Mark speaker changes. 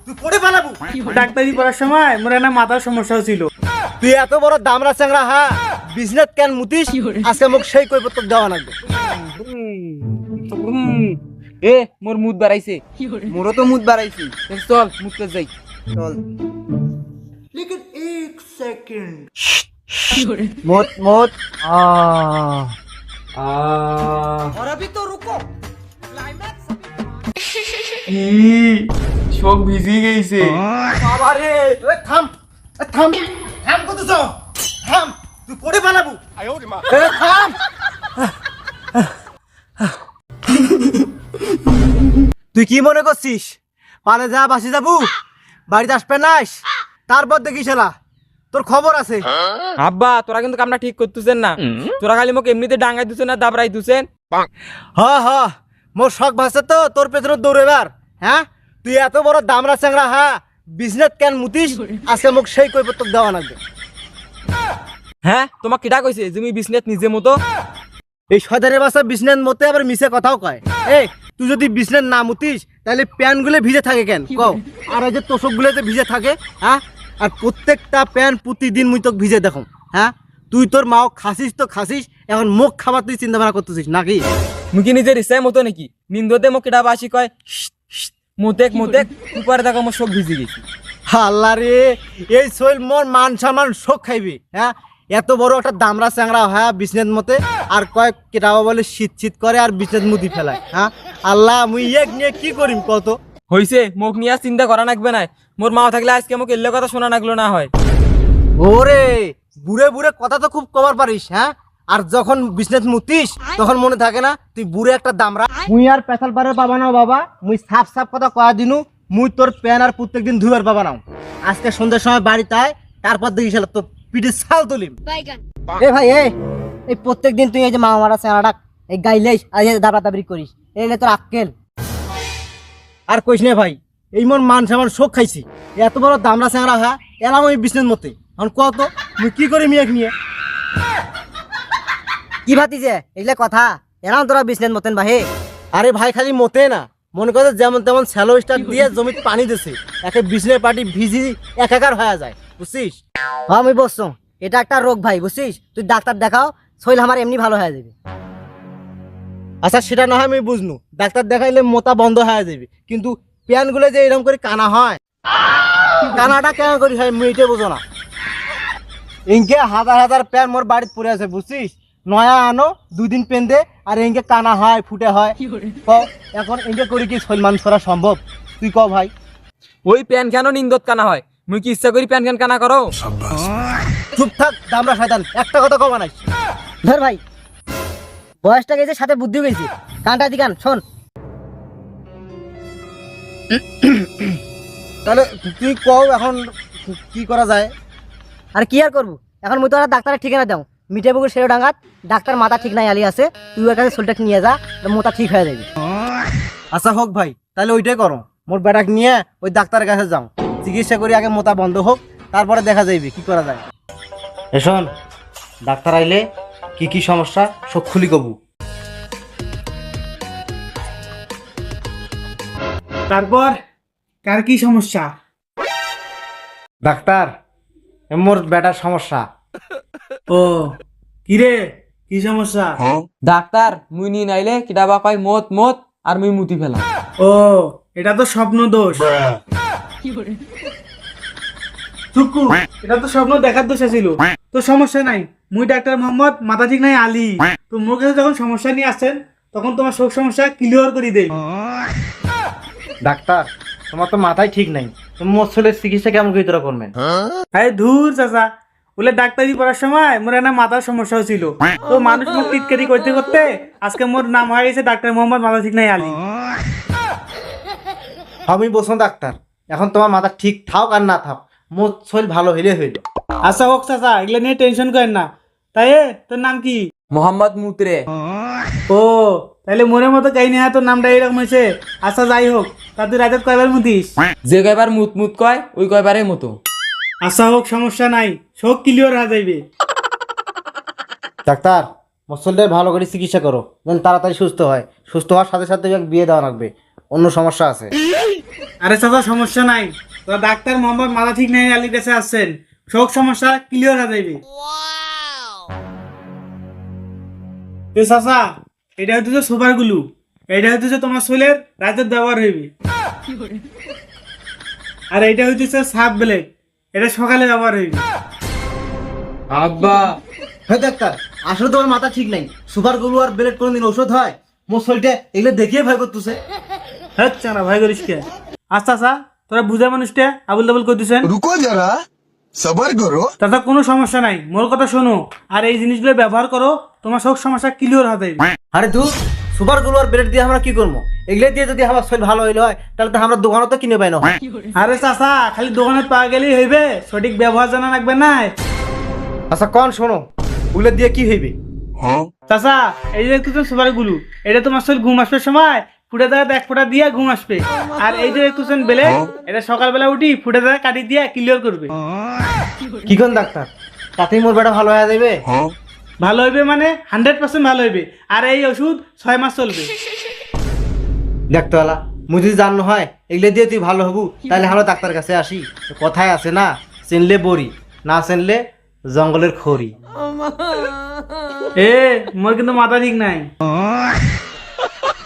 Speaker 1: তুই পড়ে পালাবো।
Speaker 2: ডাক্তারি পড়ার সময় মোর একটা মাথার সমস্যা ছিল।
Speaker 1: তুই এত বড় দামরা চ্যাংরা হ্যাঁ বিজনেস কেন মুতিস আজকে মোক সেই কৈপত্র দেওয়া লাগবে।
Speaker 3: এ মোর মুদ বাড়াইছে, মোরও তো মুদ বাড়াইছি। চল মুদতে যাই, চল।
Speaker 1: लेकिन एक सेकंड मौत मौत और अभी तो रुको
Speaker 3: চোখ ভিজি গেছে।
Speaker 1: बाबा रे ओए থাম থাম থাম কত যাও থাম তুই পড়ে পালাবো এ থাম তুই কি মনে করছিস পালে যা বাসি যাবো বাড়িতে আসবে নাস তারপর দেখি শালা তোর খবর আছে।
Speaker 3: আব্বা তোরা কিন্তু কামটা ঠিক করতেছেন না, তোরা খালি মোক এমনিতে ডাঙ্গাই দিছেন না দাবরাই দিছেন।
Speaker 1: হ হ মোর শখ ভাসছে তো তোর পেছনে দৌড়েবার। হ্যাঁ তুই এত বড় দামরা চ্যাংরা হ্যাঁ বিজনেস কেন মুতিস আজকে মোক সেই কৈপত্র দেওয়া লাগবে।
Speaker 3: হ্যাঁ তোমাক কিটা কইছে তুমি বিজনেস নিজে মতো?
Speaker 1: এই সদারে বাসা বিজনেস মতে আবার মিছে কথাও কয়। এই তুই যদি বিজনেস না মুতিস তাহলে প্যান্ট গুলো ভিজে থাকে কেন কও? আর এই যে তোষক গুলো যে ভিজে থাকে হ্যাঁ আর প্রত্যেকটা প্যান্ট প্রতিদিন মুই তোকে ভিজে দেখো। হ্যাঁ তুই তোর মাও খাসিস তো খাসিস এখন মুখ খাবার তুই চিন্তা ভাবনা করতেছিস নাকি?
Speaker 3: মুই কি নিজের ইচ্ছায় মতো নাকি? নিন্দতে মোক কিটা বাসি কয় মোতেক মোতেক উপরে দেখো আমার চোখ ভিজি গেছি।
Speaker 1: আল্লাহ রে এই শৈল মোর মান সম্মান শোক খাইবি। হ্যাঁ এত বড় একটা দামরা চ্যাংরা হ্যাঁ বিজনেস মতে আর কয়েক কেটাবা বলে শীত শীত করে আর বিজনেস মুতি ফেলায়। হ্যাঁ আল্লাহ মুই এক নিয়ে কি করিম কত?
Speaker 3: হইছে মোক নিয়ে চিন্তা করা লাগবে না, মোর মা থাকলে আজকে মোক এলে কথা শোনা লাগলো না হয়।
Speaker 1: ওরে বুড়ে বুড়ে কথা তো খুব কবার পারিস। হ্যাঁ আর যখন বিজনেস মুতিস তখন মনে থাকে না তুই বুড়ে একটা দামরা। মুই আর পেশাল পারে পাবা নাও বাবা মুই সাফ সাফ কথা কয়া দিনু মুই তোর প্যান আর প্রত্যেকদিন ধুবার পাবা নাও। আজকে সন্ধ্যার সময় বাড়িতে আয় তারপর দেখিস তোর পিঠে ছাল তুলিম। এ ভাই এই প্রত্যেকদিন তুই এই যে মা মারা চেনাটা এই গাইলেই আর দাবরা দাবরি করিস এলে তোর আক্কেল আর কইস না ভাই এই মন মান সামান শোক খাইছি এত বড় দামরা চেংরা হ্যাঁ এলাম ওই বিজনেস মতে এখন কত মুই কি করি মিয়াক নিয়ে
Speaker 4: কি ভাতিছে এগুলা কথা এরাম তোরা বিজনেস মতেন বাহে।
Speaker 1: আরে ভাই খালি মতে না মনে করে যেমন তেমন স্যালো স্টার দিয়ে জমিতে পানি দিছে একে বিজনেস পার্টি ভিজি একাকার হয়ে যায় বুঝছিস?
Speaker 4: হ্যাঁ আমি বসছো এটা একটা রোগ ভাই বুঝছিস, তুই ডাক্তার দেখাও শরীর আমার এমনি ভালো হয়ে যাবে।
Speaker 1: আচ্ছা সেটা না হয় আমি বুঝনু ডাক্তার দেখাইলে মোতা বন্ধ হয়ে যাবে কিন্তু প্যানগুলো যে এরকম করে কানা হয় কানাটা কেন করি হয় মুই এটা বুঝো না। ইনকে হাজার হাজার প্যান মোর বাড়িতে পড়ে আছে বুঝছিস, নয়া আনো দুদিন পেন দে আর ইনকে কানা হয় ফুটে হয়। ক এখন ইনকে করি কি সলমান করা সম্ভব তুই ক ভাই?
Speaker 3: ওই প্যান কেন নিন্দত কানা হয়? মুই কি ইচ্ছা করি প্যান কেন কানা করো?
Speaker 1: চুপ থাক দামরা শয়তান একটা কথা কবা নাই।
Speaker 4: ধর ভাই বয়সটা গেছে সাথে বুদ্ধিও গেছে, কানটা দিকান শোন।
Speaker 1: তাহলে তুই কও এখন কি করা যায়?
Speaker 4: আর কি আর করবো এখন মুই তো আর ডাক্তারের ঠিকানা দাও মিঠাপুকুর সেরো ডাঙ্গাত ডাক্তার মাথা ঠিক নাই আলি আছে, তুই ওর কাছে শরীরটা নিয়ে যা মোটা ঠিক হয়ে যাবে।
Speaker 1: আচ্ছা হোক ভাই তাহলে ওইটাই করো মোর বেটাকে নিয়ে ওই ডাক্তারের কাছে যাও চিকিৎসা করি আগে মোতা বন্ধ হোক তারপরে দেখা যাইবে কি করা যায়। শোন ডাক্তার আইলে কি কি সমস্যা সব খুলি কবু।
Speaker 2: তারপর কার কি সমস্যা?
Speaker 1: ডাক্তার মোর বেটার সমস্যা।
Speaker 2: ও কিরে কি সমস্যা?
Speaker 3: ডাক্তার মুই নিয়ে নাইলে কিটা বা কয় মত মত আর মুই মুতি ফেলা।
Speaker 2: ও এটা তো স্বপ্ন দোষ। চুকু এটা তো স্বপ্ন দেখার দোষ ছিল, তো সমস্যা নাই। মুই ডাক্তার মোহাম্মদ মাথা ঠিক নাই আলী, তো মোর কাছে যখন সমস্যা নিয়ে আসছেন তখন তোমার সব সমস্যা ক্লিয়ার করে দেই।
Speaker 1: ডাক্তার তোমার তো মাথায় ঠিক নাই, তুমি মোর ছেলের চিকিৎসা কেমন করে তোরা করবেন?
Speaker 2: আরে ধুর চাচা, বলে ডাক্তারি পড়ার সময় মোর একটা মাথার সমস্যা ছিল, তো মানুষ মুখ টিটকারি করতে করতে আজকে মোর নাম হয়ে গেছে ডাক্তার মোহাম্মদ মাথা ঠিক নাই আলী।
Speaker 1: আমি বলছো ডাক্তার এখন তোমার মাথা ঠিক থাক আর না থাক মোর শরীর ভালো হইলে হইল।
Speaker 2: আচ্ছা হোক চাচা এগুলো নিয়ে টেনশন করেন না। তাই তোর নাম কি?
Speaker 3: মোহাম্মদ মুতরে।
Speaker 2: ও তাহলে মনের মতো কাহিনী হ্যাঁ তোর নামটা এরকম হয়েছে। আচ্ছা যাই হোক তা তুই রাতে কয়বার মুতিস?
Speaker 3: যে কয়বার মুত মুত কয় ওই কয়বারের মতো।
Speaker 2: আচ্ছা হোক সমস্যা নাই, সব ক্লিয়ার হয়ে যাইবে।
Speaker 1: ডাক্তার মোর শরীরটা ভালো করে চিকিৎসা করো যেন তাড়াতাড়ি সুস্থ হয়, সুস্থ হওয়ার সাথে সাথে বিয়ে দেওয়া লাগবে, অন্য সমস্যা আছে।
Speaker 2: আরে চাচা সমস্যা নাই, তো ডাক্তার মোহাম্মদ মাথা ঠিক নাই আলীর কাছে আসছেন, সব সমস্যা ক্লিয়ার হয়ে যাবে। তো চাচা এটা হচ্ছে সুপার গুলু, এটা হচ্ছে তোমার শরীরের রাতের ব্যবহার হইবে। আর এটা হচ্ছে সাব ব্লেড, এটা সকালে ব্যবহার হইবে।
Speaker 3: আব্বা
Speaker 1: হ্যাঁ ডাক্তার, আসলে তোমার মাথা ঠিক নাই। সুপার গ্লু আর ব্লেড কোনদিন ঔষধ হয়? মোর শরীরটা এগুলো দেখিয়ে ভয় করতেছে।
Speaker 2: হচ্ছে না ভাই করিস কে? আচ্ছা আচ্ছা, তোরা বুঝা মানুষটা আবুল তাবুল করে দিচ্ছেন।
Speaker 5: रुको जरा सबर करो।
Speaker 2: তাতে কোনো সমস্যা নাই, মোর কথা শোনো আর এই জিনিসগুলো ব্যবহার করো, তোমার সব সমস্যা ক্লিয়ার হবে।
Speaker 1: আরে ধু, সুপার গ্লু আর ব্লেড দিয়ে আমরা কি করবো? এগুলো দিয়ে যদি আমার শরীর ভালো হইলে হয় তাহলে তো আমরা দোকানে তো কিনে পাই না।
Speaker 2: আরে চাচা খালি দোকানে পাওয়া গেলেই হইবে, সঠিক ব্যবহার জানা লাগবে না।
Speaker 1: আচ্ছা কোন শোনো, ওগুলো দিয়ে কি হইবে?
Speaker 2: চাচা এই যে একটু সুপার গুলু, এটা তোমার শরীর ঘুম আসবে সময় ফুটে দেওয়া এক ফোঁটা দিয়ে ঘুম আসবে। আর এই যে একটু বেলে, এটা সকালবেলা উঠি ফুটে দেওয়া কাটি দিয়ে ক্লিয়ার করবে।
Speaker 1: কি কোন ডাক্তার, তাতেই মোর বেটা ভালো হয়ে যাবে?
Speaker 2: ভালো হইবে মানে 100% ভালো হইবে। আর এই ওষুধ 6 মাস চলবে।
Speaker 1: ডাক্তারওয়ালা মুই যদি জানো হয় এগুলো দিয়ে তুই ভালো হবু, তাহলে আমরা ডাক্তার কাছে আসি। তো কথায় আছে না, চিনলে বড়ি, না চিনলে জঙ্গলের খড়ি।
Speaker 2: মোর কিন্তু মাথা ঠিক নাই।